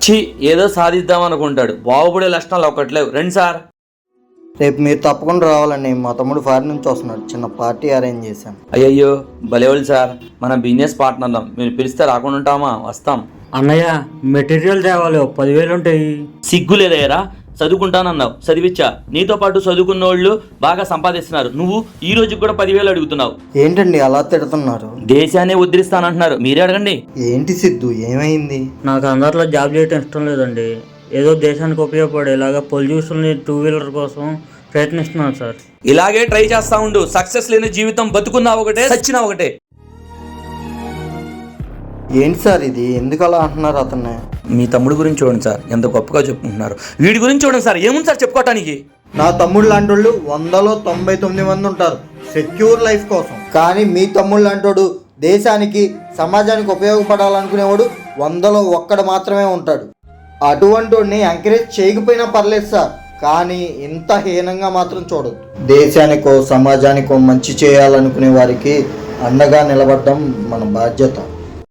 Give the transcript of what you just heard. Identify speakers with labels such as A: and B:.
A: ఛీ, ఏదో సాధిద్దాం అనుకుంటాడు. బాగుపడే లక్షణాలు ఒకట్లేవు. రండి సార్.
B: రేపు మీరు తప్పకుండా రావాలండి. మా తమ్ముడు ఫారిన్ నుంచి వస్తున్నాడు. చిన్న పార్టీ అరేంజ్ చేశాం.
A: అయ్యయ్యో భలేవాళ్ళు సార్, మన బిజినెస్ పార్ట్నర్లం. మీరు పిలిస్తే రాకుండా ఉంటామా? వస్తాం.
C: అన్నయ్య మెటీరియల్ తేవాలి, 10,000 ఉంటాయి.
A: సిగ్గు లేదయ్యారా? చదువుకుంటానన్నావు, చదివిచ్చా. నీతో పాటు చదువుకున్న వాళ్ళు బాగా సంపాదిస్తున్నారు. నువ్వు ఈ రోజు కూడా 10,000 అడుగుతున్నావు.
B: ఏంటండి అలా తిడుతున్నారు?
A: దేశాన్ని ఉద్ధరిస్తానంటున్నారు, మీరే అడగండి.
B: ఏంటి సిద్ధు, ఏమైంది?
C: నాకు అందరిలో జాబ్ చేయటం ఇష్టం లేదండి. ఏదో దేశానికి ఉపయోగపడేలాగా పొల్యూషన్ 2-వీలర్ కోసం ప్రయత్నిస్తున్నాను సార్.
A: ఇలాగే ట్రై చేస్తా ఉండు. సక్సెస్ లేని జీవితం, బతుకున్నా ఒకటే, చచ్చినా ఒకటే.
B: ఏంటి సార్ ఇది, ఎందుకు అలా అంటున్నారు అతన్ని?
A: మీ తమ్ముడు గురించి చూడండి సార్, ఎంత గొప్పగా చెప్పుకుంటున్నారు. వీడి గురించి చూడండి సార్, ఏముంది సార్ చెప్పుకోవటానికి?
B: నా తమ్ముడు లాంటి వాళ్ళు 100లో 99 మంది ఉంటారు సెక్యూర్ లైఫ్ కోసం. కానీ మీ తమ్ముడు లాంటోడు దేశానికి సమాజానికి ఉపయోగపడాలనుకునేవాడు 100లో 1 మాత్రమే ఉంటాడు. అటువంటి వాడిని ఎంకరేజ్ చేయకపోయినా పర్లేదు సార్, కానీ ఇంత హీనంగా మాత్రం చూడదు. దేశానికో సమాజానికో మంచి చేయాలనుకునే వారికి అండగా నిలబడడం మన బాధ్యత.